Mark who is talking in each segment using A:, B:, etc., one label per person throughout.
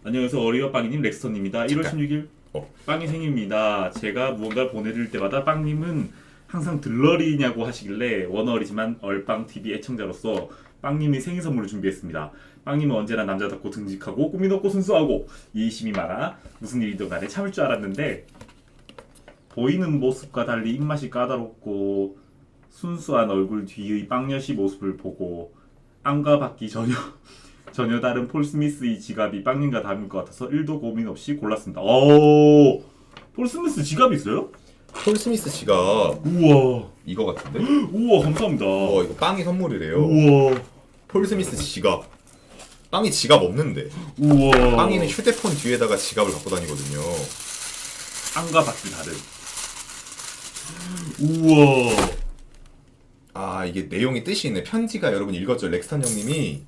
A: 안녕하세요. 어리와 빵이님 렉스턴입니다. 1월
B: 잠깐.
A: 16일
B: 어.
A: 빵이 생일입니다. 제가 무언가를 보내드릴 때마다 빵님은 항상 들러리냐고 하시길래 원어리지만 얼빵TV 애청자로서 빵님이 생일 선물을 준비했습니다. 빵님은 언제나 남자답고 듬직하고 꾸민 없고 순수하고 이해심이 많아 무슨 일이든 간에 참을 줄 알았는데 보이는 모습과 달리 입맛이 까다롭고 순수한 얼굴 뒤의 빵여시 모습을 보고 안과 받기 전혀 다른 폴 스미스의 지갑이 빵님과 닮을 것 같아서 1도 고민 없이 골랐습니다. 오, 폴 스미스 지갑이 있어요?
B: 폴 스미스 씨가
A: 우와,
B: 이거 같은데?
A: 우와, 감사합니다.
B: 이거 빵이 선물이래요.
A: 우와,
B: 폴 스미스 지갑. 빵이 지갑 없는데.
A: 우와.
B: 빵이는 휴대폰 뒤에다가 지갑을 갖고 다니거든요.
A: 안과 받기 다른. 우와.
B: 아, 이게 내용이 뜻이 있네. 편지가 여러분 읽었죠? 렉스턴 형님이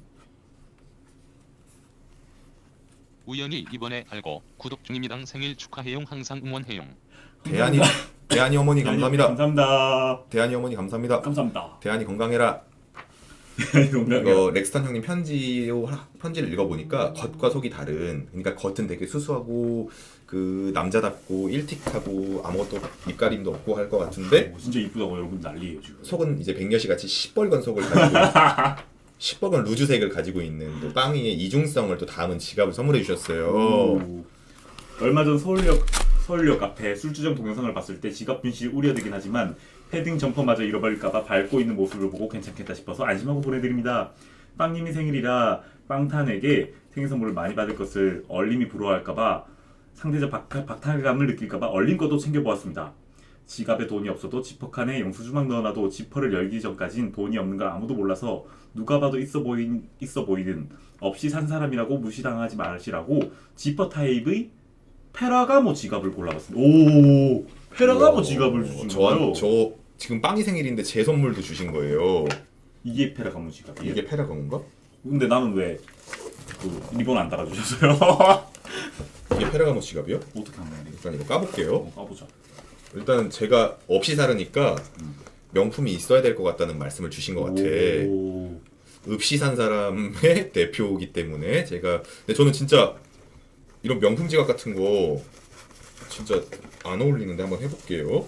C: 우연히 이번에 알고 구독 중입니다. 생일 축하해용. 항상 응원해용.
B: 대한이 어머니 감사합니다.
A: 감사합니다.
B: 대한이 어머니 감사합니다.
A: 감사합니다.
B: 대한이 건강해라.
A: 농담이야.
B: 이거 렉스턴 형님 편지를 읽어보니까 겉과 속이 다른. 그러니까 겉은 되게 수수하고 그 남자답고 일틱하고 아무것도 입가림도 없고 할 것 같은데
A: 오, 진짜 이쁘다고 여러분 난리예요 지금.
B: 속은 이제 백녀시 같이 시뻘건 속을 가지고 시뻘건 루즈색을 가지고 있는 또 빵이의 이중성을 또 담은 지갑을 선물해 주셨어요.
A: 오. 얼마 전 서울역 앞에 술주정 동영상을 봤을 때 지갑 분실 우려되긴 하지만 패딩 점퍼마저 잃어버릴까봐 밟고 있는 모습을 보고 괜찮겠다 싶어서 안심하고 보내드립니다. 빵님이 생일이라 빵탄에게 생일 선물을 많이 받을 것을 얼림이 부러워할까봐 상대적 박탈감을 느낄까봐 얼림 것도 챙겨보았습니다. 지갑에 돈이 없어도 지퍼칸에 영수주막 넣어놔도 지퍼를 열기 전까진 돈이 없는 걸 아무도 몰라서 누가 봐도 있어 보이는 없이 산 사람이라고 무시당하지 마시라고 지퍼 타입의 페라가모 지갑을 골라봤습니다. 오, 페라가모 지갑을 주신 거예요?
B: 저 지금 빵이 생일인데 제 선물도 주신 거예요.
A: 이게 페라가모 지갑이에요?
B: 이게 페라건가?
A: 근데 나는 왜 그 리본 안 달아주셨어요?
B: 이게 페라가모 지갑이요?
A: 어떻게 하면 돼?
B: 일단 이거 까볼게요.
A: 까보자.
B: 일단 제가 없이 사르니까 명품이 있어야 될 것 같다는 말씀을 주신 것 같아.
A: 오.
B: 없이 산 사람의 대표이기 때문에 제가 근데 저는 진짜 이런 명품 지갑 같은 거 진짜 안 어울리는데 한번 해볼게요.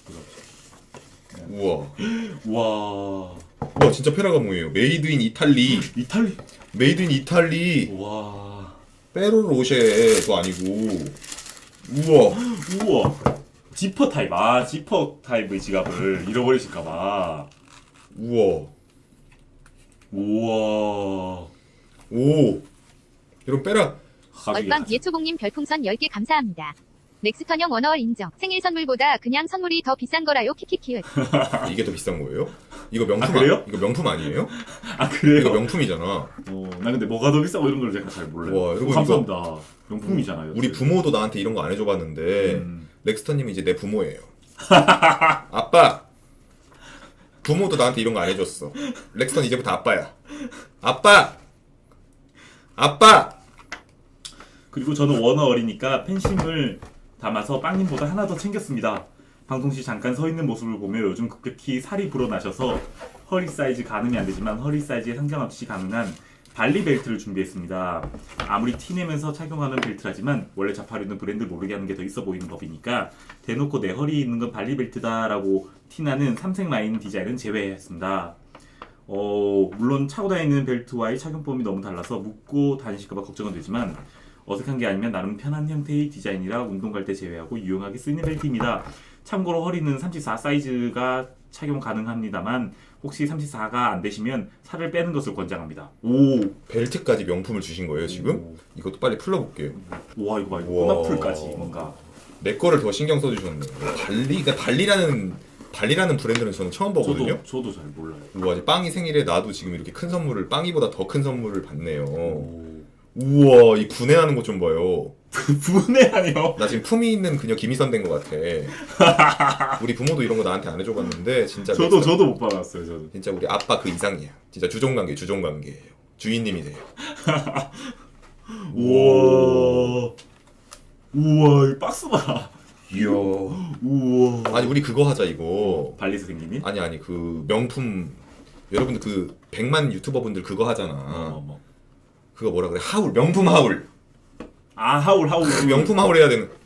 B: 우와,
A: 와.
B: 와 진짜 페라가모예요. 메이드 인 이탈리.
A: 이탈리.
B: 메이드 인 이탈리.
A: 와.
B: 페로로쉐도 아니고. 우와.
A: 우와. 지퍼 타입. 아, 지퍼 타입의 지갑을 잃어버리실까봐.
B: 우와.
A: 우와.
B: 오. 이런 페라.
A: 가격이
D: 얼빵 예초봉님 별풍선 10개 감사합니다. 넥스턴형 원어월 인정. 생일 선물보다 그냥 선물이 더 비싼 거라요. 키키키을.
B: 이게 더 비싼 거예요? 이거 명품
A: 그래요?
B: 이거 명품 아니에요?
A: 아, 그래요?
B: 이거 명품이잖아.
A: 나 근데 뭐가 더 비싸고 이런 걸 제가 잘 몰라요.
B: 와, 여러분
A: 감사합니다. 명품이잖아요.
B: 우리 부모도 나한테 이런 거 안 해줘봤는데
A: 음.
B: 렉스턴님이 이제 내 부모예요. 아빠. 부모도 나한테 이런 거 안 해줬어. 렉스턴 이제부터 아빠야. 아빠. 아빠.
A: 그리고 저는 원어 어리니까 팬심을 담아서 빵님보다 하나 더 챙겼습니다. 방송 시 잠깐 서 있는 모습을 보며 요즘 급격히 살이 불어나셔서 허리 사이즈 가늠이 안 되지만 허리 사이즈에 상관없이 가능한 발리 벨트를 준비했습니다. 아무리 티내면서 착용하는 벨트라지만 원래 자파류는 브랜드 모르게 하는 게 더 있어 보이는 법이니까 대놓고 내 허리에 있는 건 발리 벨트다라고 티나는 삼색 라인 디자인은 제외했습니다. 물론 차고 다니는 벨트와의 착용법이 너무 달라서 묶고 다니실까봐 걱정은 되지만 어색한 게 아니면 나름 편한 형태의 디자인이라 운동 갈 때 제외하고 유용하게 쓰이는 벨트입니다. 참고로 허리는 34 사이즈가 착용 가능합니다만 혹시 34가 안 되시면 살을 빼는 것을 권장합니다. 오,
B: 벨트까지 명품을 주신 거예요 지금?
A: 오.
B: 이것도 빨리 풀러볼게요.
A: 와 이거 봐 이거
B: 우와.
A: 꼬나풀까지 뭔가.
B: 내 거를 더 신경 써주셨네. 근데 발리라는 브랜드는 저는 처음 보거든요.
A: 저도 잘 몰라요.
B: 우와, 이제 빵이 생일에 나도 지금 이렇게 큰 선물을 빵이보다 더 큰 선물을 받네요.
A: 오.
B: 우와, 이 분해하는 것 좀 봐요.
A: 분해하네요.
B: 나 지금 품위 있는 그녀 김희선 된 것 같아. 우리 부모도 이런 거 나한테 안 해줘봤는데 진짜
A: 저도 못 받았어요. 저도.
B: 진짜 우리 아빠 그 이상이야. 진짜 주종관계예요. 주인님이세요.
A: 우와. 우와 이 박스 봐.
B: 이야.
A: 우와.
B: 아니 우리 그거 하자 이거.
A: 발리에서 생기니?
B: 아니 그 명품 여러분들 그 100만 유튜버분들 그거 하잖아.
A: 뭐.
B: 그거 뭐라 그래? 하울 명품 하울.
A: 아 하울.
B: 명품 하울 해야 되는.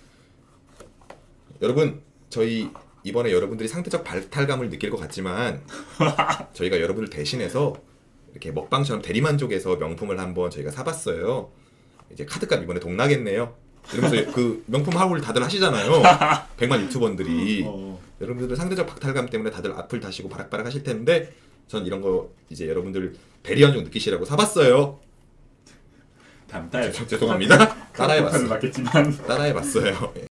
B: 여러분 저희 이번에 여러분들이 상대적 발탈감을 느낄 것 같지만 저희가 여러분들 대신해서 이렇게 먹방처럼 대리만족에서 명품을 한번 저희가 사봤어요. 이제 카드값 이번에 동나겠네요. 이러면서 그 명품 하울 다들 하시잖아요. 100만 유튜버들이. 여러분들 상대적 박탈감 때문에 다들 악플 다시고 바락바락 하실 텐데 전 이런 거 이제 여러분들 배려한 좀 느끼시라고 사봤어요.
A: 다음 달
B: 죄송합니다. 따라해봤어요.
A: 맞겠지만
B: 따라해봤어요. 예.